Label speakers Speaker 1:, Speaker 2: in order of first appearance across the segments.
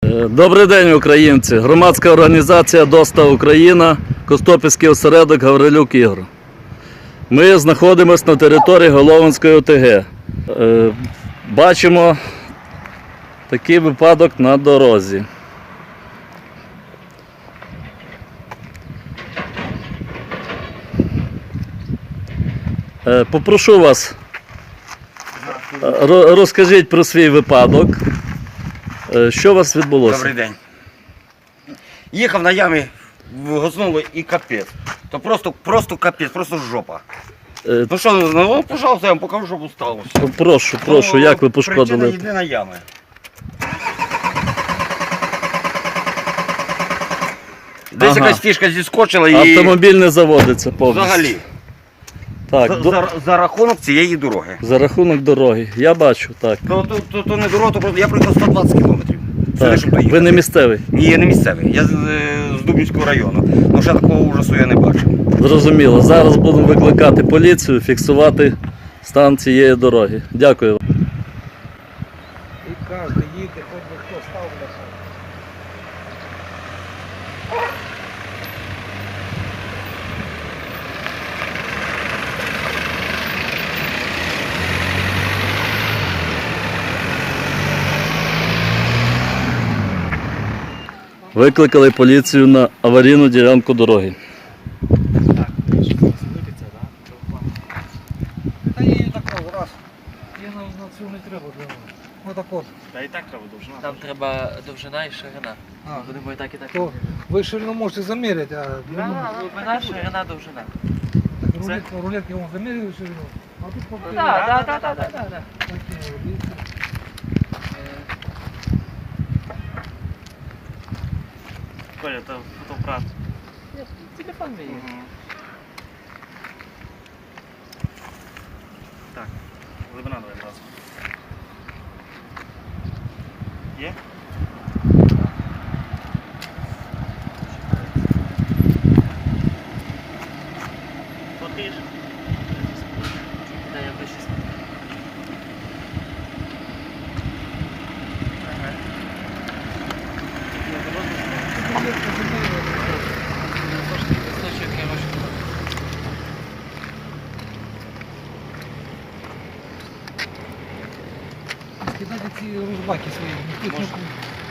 Speaker 1: Добрий день, українці! Громадська організація ДОСТА Україна, Костопільський осередок Гаврилюк Ігор. Ми знаходимося на території Головинської ОТГ. Бачимо такий випадок на дорозі. Попрошу вас, розкажіть про свій випадок. Що у вас відбулося?
Speaker 2: Добрий день. Їхав на ямі, газнуло і капець. То просто капець, просто жопа. Ну що, ну, пожалуйста, я вам покажу, що сталося.
Speaker 1: Прошу, як ви пошкодили?
Speaker 2: Причина єдина ями. Десь якась фішка зіскочила і...
Speaker 1: Автомобіль не заводиться повністю.
Speaker 2: Взагалі.
Speaker 1: Так,
Speaker 2: за рахунок цієї дороги.
Speaker 1: За рахунок дороги, я бачу, так.
Speaker 2: То не дорога, то просто я проїхав 120 кілометрів.
Speaker 1: Так. Ви не місцевий?
Speaker 2: Ні, я не місцевий. Я з Дубнівського району. Ну ще такого ужасу я не бачив.
Speaker 1: Зрозуміло. Зараз будемо викликати поліцію, фіксувати стан цієї дороги. Дякую вам.
Speaker 3: І кожен їде, хоч би хто став на це.
Speaker 1: Викликали поліцію на аварійну ділянку дороги.
Speaker 3: Так, вибиться, так? Та її такого, раз. Її на цю не треба. Отак от.
Speaker 4: Та і так треба довжина.
Speaker 5: Там треба довжина і ширина.
Speaker 3: А,
Speaker 5: Будемо і так, і так.
Speaker 3: то ви ширину можете заміряти, а
Speaker 5: Глибина, ширина, довжина.
Speaker 3: рулетки вам заміряли ширину. А тут
Speaker 5: Ну
Speaker 3: поки...
Speaker 5: так.
Speaker 4: Коля, це фотоапарат.
Speaker 5: Телефон мій.
Speaker 4: Так, глибина давай одразу. Є? Фоткаєш?
Speaker 5: Дай я вище. Листочок я можу.
Speaker 3: Скидайте ці ружбаки свої. Ніхто їх не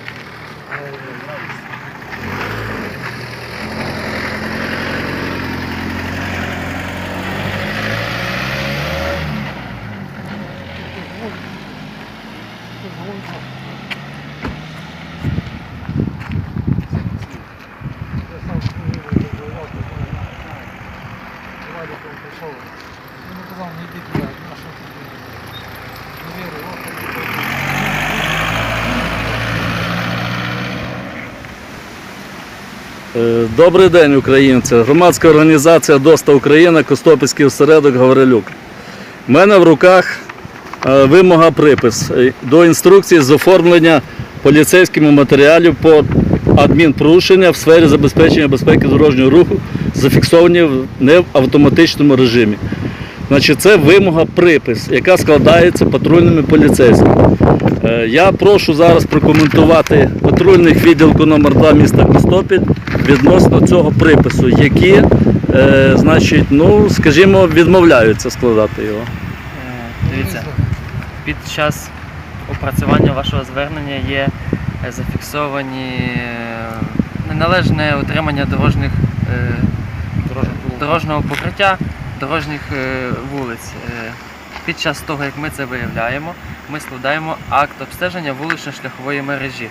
Speaker 1: Добрий день, українці! Громадська організація ДОСТА Україна, Костопільський осередок Гаврилюк. У мене в руках вимога припис до інструкції з оформлення поліцейськими матеріалів по адмінпорушення в сфері забезпечення безпеки дорожнього руху, зафіксовані не в автоматичному режимі. Значить, це вимога припис, яка складається патрульними поліцейськими. Я прошу зараз прокоментувати патрульних відділку номер 2 міста Костопіль відносно цього припису, які, значить, ну, скажімо, відмовляються складати його.
Speaker 5: Дивіться, під час опрацювання вашого звернення є зафіксовані неналежне утримання дорожнього покриття, дорожніх вулиць. Під час того, як ми це виявляємо, ми складаємо акт обстеження вулично-шляхової мережі.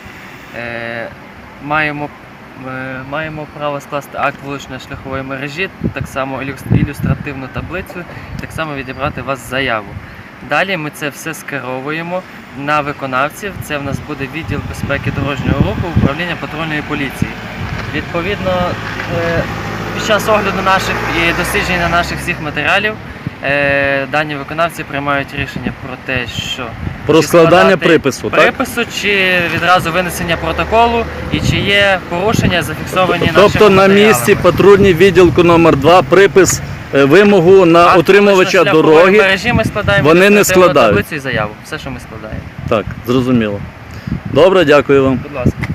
Speaker 5: Маємо право скласти акт вулично-шляхової мережі, так само ілюстративну таблицю, так само відібрати вас заяву. Далі ми це все скеровуємо на виконавців. Це в нас буде відділ безпеки дорожнього руху, управління патрульної поліції. Відповідно, під час огляду наших і дослідження наших всіх матеріалів дані виконавці приймають рішення про те, що
Speaker 1: Про складання припису, так?
Speaker 5: Чи відразу винесення протоколу, і чи є порушення зафіксовані нашими
Speaker 1: Тобто на
Speaker 5: матеріалами.
Speaker 1: місці патрульний відділку номер 2 припис, вимогу на
Speaker 5: Акт
Speaker 1: отримувача
Speaker 5: вулично-шляхової
Speaker 1: дороги,
Speaker 5: мережі ми складаємо
Speaker 1: вони не
Speaker 5: ілюстративну
Speaker 1: складають.
Speaker 5: таблицю і заяву. Все, що ми складаємо.
Speaker 1: Так, зрозуміло. Добре, дякую вам.
Speaker 5: Будь ласка.